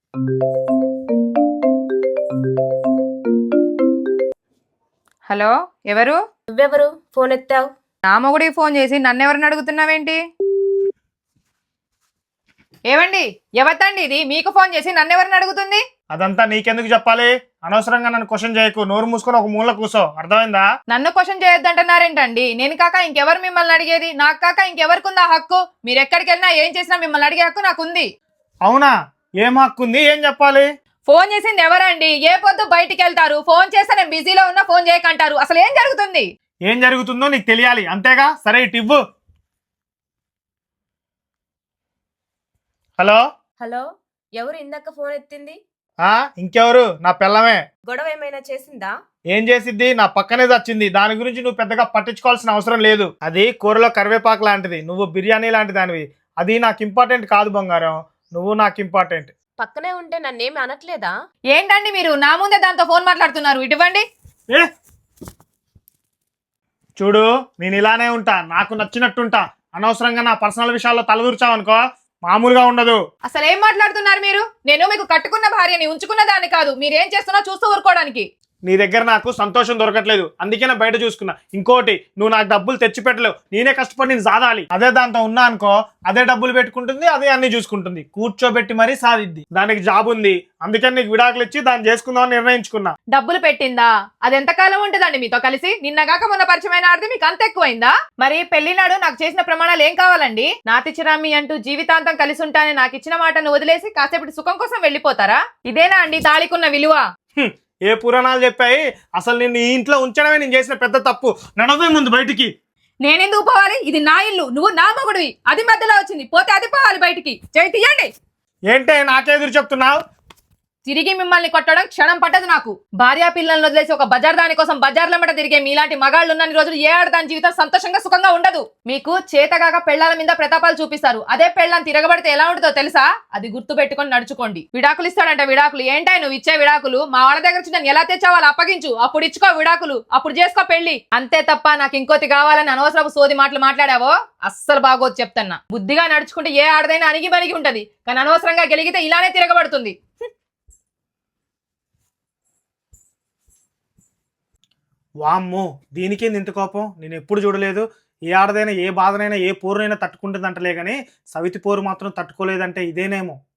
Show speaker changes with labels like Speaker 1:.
Speaker 1: Hello, ఎవరు?
Speaker 2: నువ్వెవరు phone ఎత్తావు?
Speaker 1: నా మొగుడికి ఫోన్ చేసి నన్నెవరిని అడుగుతున్నావేంటి? ఏవండి, ఎవతండి ఇది? మీకు ఫోన్ చేసి నన్నెవరిని అడుగుతుంది?
Speaker 3: అదంతా నీకెందుకు చెప్పాలి? అనవసరంగా నన్ను క్వశ్చన్ చేయకు. నోరు మూసుకొని ఒక మూల కూసో. అర్థమైందా?
Speaker 1: నన్ను క్వశ్చన్ చేయొద్దంటున్నారేంటండి? నేను కాక ఇంకెవరు మిమ్మల్ని అడిగేది? నాకు కాక ఇంకెవరికి ఉందా హక్కు? మీరు ఎక్కడికి వెళ్ళినా ఏం చేసినా మిమ్మల్ని అడిగే హక్కు నాకుంది.
Speaker 3: అవునా? ఏం హక్కు ఉంది? ఏం చెప్పాలి?
Speaker 1: ఫోన్ చేసింది ఎవరండి? ఏ పొద్దు బయటికి వెళ్తారు? ఫోన్ చేస్తే నేను బిజీలో ఉన్నా ఫోన్ చేయకంటారు. అసలు ఏం జరుగుతుంది?
Speaker 3: ఏం జరుగుతుందో నీకు తెలియాలి అంతేగా? సరే ఇటు ఇవ్వు. హలో
Speaker 2: హలో, ఎవరు ఇందాక ఫోన్ ఎత్తింది?
Speaker 3: ఇంకెవరు? నా పిల్లమే.
Speaker 2: గొడవ ఏమైనా చేసిందా?
Speaker 3: ఏం చేసిద్ది? నా పక్కనే వచ్చింది. దాని గురించి నువ్వు పెద్దగా పట్టించుకోవాల్సిన అవసరం లేదు. అది కూరలో కరివేపాకు లాంటిది, నువ్వు బిర్యానీ లాంటి దానివి. అది నాకు ఇంపార్టెంట్ కాదు బంగారం. నువ్వు నాకు ఇంపార్టెంట్.
Speaker 2: పక్కనే ఉంటే నన్నేమి అనట్లేదా?
Speaker 1: ఏంటండి మీరు నా ముందే దాంతో ఫోన్ మాట్లాడుతున్నారు? ఇటువంటి
Speaker 3: ఏ చూడు, నేను ఇలానే ఉంటా, నాకు నచ్చినట్టుంటా. అనవసరంగా నా పర్సనల్ విషయాల్లో తలదూర్చావనుకో మామూలుగా ఉండదు.
Speaker 1: అసలు ఏం మాట్లాడుతున్నారు మీరు? నేను మీకు కట్టుకున్న భార్యని, ఉంచుకున్న దాన్ని కాదు. మీరేం చేస్తున్నా చూస్తూ ఊరుకోవడానికి.
Speaker 3: నీ దగ్గర నాకు సంతోషం దొరకట్లేదు, అందుకే నా బయట చూసుకున్నా. ఇంకోటి, నువ్వు నాకు డబ్బులు తెచ్చి పెట్టలేవు. నేనే కష్టపడి నేను సాధాలి. అదే దాంతో ఉన్నా అనుకో, అదే డబ్బులు పెట్టుకుంటుంది, అదే అన్ని చూసుకుంటుంది. కూర్చోబెట్టి మరీ సాధిద్ది. దానికి జాబ్ ఉంది, అందుకని నీకు విడాకులు ఇచ్చి దాన్ని చేసుకుందామని నిర్ణయించుకున్నా.
Speaker 1: డబ్బులు పెట్టిందా? అది ఎంతకాలం ఉంటుందండి మీతో కలిసి? నిన్నగాక మొన్న పరిచయమైన ఆడితే మీకు అంత ఎక్కువైందా? మరి పెళ్లినాడు నాకు చేసిన ప్రమాణాలు ఏం కావాలండి? నాతిచిరామి అంటూ జీవితాంతం కలిసి ఉంటానే నాకు ఇచ్చిన మాటను వదిలేసి కాసేపటి సుఖం కోసం వెళ్ళిపోతారా? ఇదేనా అండి తాళికున్న విలువ?
Speaker 3: ఏ పురాణాలు చెప్పాయి? అసలు నిన్ను ఈ ఇంట్లో ఉంచడమే నేను చేసిన పెద్ద తప్పు. నడవే ముందు బయటికి.
Speaker 1: నేనెందుకు పోవాలి? ఇది నా ఇల్లు, నువ్వు నా మొగుడివి. అది మధ్యలో వచ్చింది, పోతే అది పోవాలి బయటికి. చేయి తీయండి.
Speaker 3: ఏంటే నాకెదురు చెప్తున్నావు?
Speaker 1: తిరిగి మిమ్మల్ని కొట్టడం క్షణం పట్టదు నాకు. భార్యా పిల్లలను వదిలేసి ఒక బజార్ దాని కోసం బజార్లమ్మట తిరిగే మీలాంటి మగాళ్ళు ఉన్నన్ని రోజులు ఏ ఆడదాని జీవితం సంతోషంగా సుఖంగా ఉండదు. మీకు చేతగాక పెళ్లాల మీద ప్రతాపాలు చూపిస్తారు. అదే పెళ్ళాన్ని తిరగబడితే ఎలా ఉంటుందో తెలుసా? అది గుర్తు పెట్టుకొని నడుచుకోండి. విడాకులు ఇస్తాడంట. విడాకులు ఏంటాయి నువ్వు ఇచ్చే విడాకులు? మా వాళ్ళ దగ్గర నుంచి నేను ఎలా తెచ్చావాళ్ళు అప్పగించు, అప్పుడు ఇచ్చుకో విడాకులు, అప్పుడు చేసుకో పెళ్లి. అంతే తప్ప నాకు ఇంకోటి కావాలని అనవసరపు సోది మాటలు మాట్లాడావో అస్సలు బాగోదు చెప్తున్నా. బుద్ధిగా నడుచుకుంటే ఏ ఆడదైనా అణిగి బలిగి ఉంటది, కానీ అనవసరంగా గెలిగితే ఇలానే తిరగబడుతుంది.
Speaker 3: వామ్మో, దీనికేంది ఇంత కోపం? నేను ఎప్పుడు చూడలేదు. ఏ ఆడదైనా ఏ బాధనైనా ఏ పోరునైనా తట్టుకుంటుందంటలే కానీ సవితి పోరు మాత్రం తట్టుకోలేదంటే ఇదేనేమో.